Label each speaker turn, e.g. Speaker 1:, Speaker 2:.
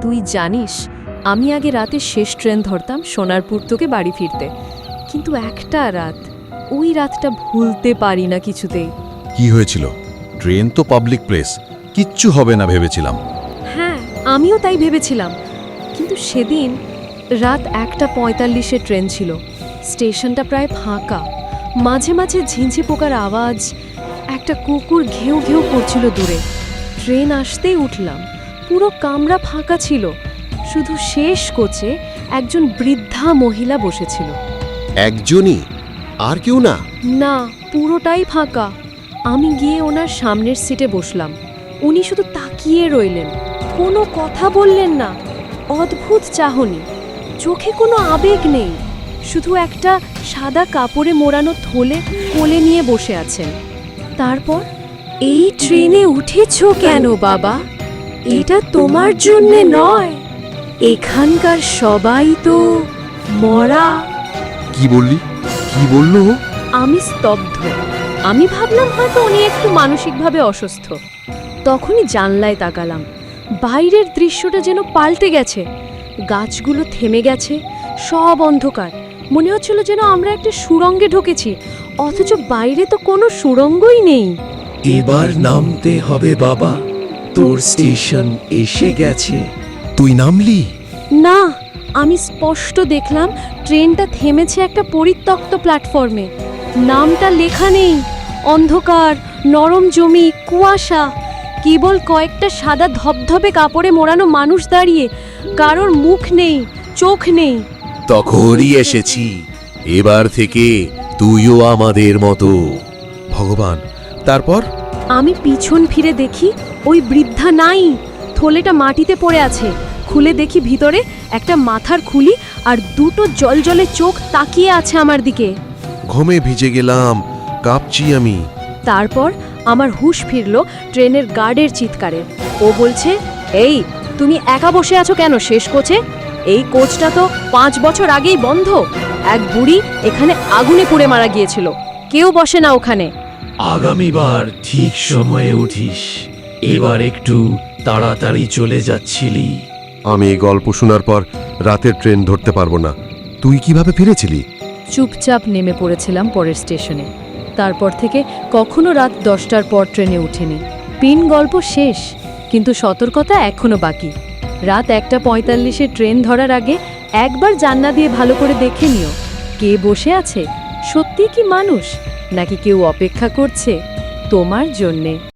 Speaker 1: তুই জানিস আমি আগে রাতে শেষ ট্রেন ধরতাম সোনারপুর থেকে বাড়ি ফিরতে, কিন্তু একটা রাত, ওই রাতটা ভুলতে পারি না কিছুতেই।
Speaker 2: কি হয়েছিল? ট্রেন তো পাবলিক প্লেস, কিচ্ছু হবে না ভেবেছিলাম।
Speaker 1: হ্যাঁ, আমিও তাই ভেবেছিলাম, কিন্তু সেদিন রাত 1:45-এ ট্রেন ছিল। স্টেশনটা প্রায় ফাঁকা, মাঝে মাঝে ঝিঁঝি পোকার আওয়াজ, একটা কুকুর ঘেউ ঘেউ করছিল দূরে। ট্রেন আসতেই উঠলাম, পুরো কামরা ফাঁকা ছিল, শুধু শেষ কোচে একজন বৃদ্ধা মহিলা বসেছিল।
Speaker 3: একজনই? আর কেউ না?
Speaker 1: না, পুরোটাই ফাঁকা। আমি গিয়ে ওনার সামনের সিটে বসলাম। উনি শুধু তাকিয়ে রইলেন, কোনো কথা বললেন না। অদ্ভুত চাহনি, চোখে কোনো আবেগ নেই, শুধু একটা সাদা কাপড়ে মোড়ানো থলে কোলে নিয়ে বসে আছেন। তারপর, এই ট্রেনে উঠেছো কেন বাবা? এটা তোমার জন্যে নয়, এখানকার সবাই তো মরা।
Speaker 3: কি বললি? কি বললো?
Speaker 1: আমি স্তব্ধ। আমি ভাবলাম হয়তো উনি একটু মানসিকভাবে অসুস্থ। তখনই জানলায় তাকালাম, বাইরের দৃশ্যটা যেন পাল্টে গেছে। গাছগুলো থেমে গেছে, সব অন্ধকার। মনে হচ্ছিল যেন আমরা একটা সুড়ঙ্গে ঢুকেছি, অথচ বাইরে তো কোনো সুড়ঙ্গই নেই।
Speaker 4: এবার নামতে হবে বাবা, তোর স্টেশন এসে গেছে।
Speaker 3: তুই নামলি?
Speaker 1: না, আমি স্পষ্ট দেখলাম ট্রেনটা থেমেছে একটা পরিত্যক্ত প্ল্যাটফর্মে। নামটা লেখা নেই, অন্ধকার, নরম জমি, কুয়াশা, কেবল কয়েকটা সাদা ধবধবে কাপড়ে মোড়ানো মানুষ দাঁড়িয়ে। কারোর মুখ নেই, চোখ নেই।
Speaker 3: তখনই এসেছি, এবার থেকে তুইও আমাদের মতো।
Speaker 2: ভগবান! তারপর?
Speaker 1: আমি পিছন ফিরে দেখি ওই বৃদ্ধা নাই, থলেটা মাটিতে পড়ে আছে। খুলে দেখি ভিতরে একটা মাথার খুলি আর দুটো জলজলে চোখ তাকিয়ে আছে আমার দিকে।
Speaker 2: ঘুমে ভিজে গেলাম, কাঁপছি আমি।
Speaker 1: তারপর আমার হুঁশ ফিরল ট্রেনের গার্ডের চিৎকারে। ও বলছে, এই তুমি একা বসে আছো কেন শেষ কোচে? এই কোচটা তো 5 বছর আগেই বন্ধ। এক বুড়ি এখানে আগুনে পুড়ে মারা গিয়েছিল, কেউ বসে না ওখানে।
Speaker 4: আগামীবার ঠিক সময়ে উঠিস, এবার একটু তাড়াতাড়ি চলে যাচ্ছিলি।
Speaker 3: আমি এই গল্প শোনার পর রাতের ট্রেন ধরতে পারবো না। তুই কিভাবে ফিরেছিলি?
Speaker 1: চুপচাপ নেমে পড়েছিলাম পরের স্টেশনে। তারপর থেকে কখনো রাত 10টার পর ট্রেনে উঠিনি। পিন গল্প শেষ, কিন্তু সতর্কতা এখনো বাকি। রাত 1:45-এ ট্রেন ধরার আগে একবার জানলা দিয়ে ভালো করে দেখে নিও, কে বসে আছে, সত্যি কি মানুষ, নাকি কেউ অপেক্ষা করছে তোমার জন্যে।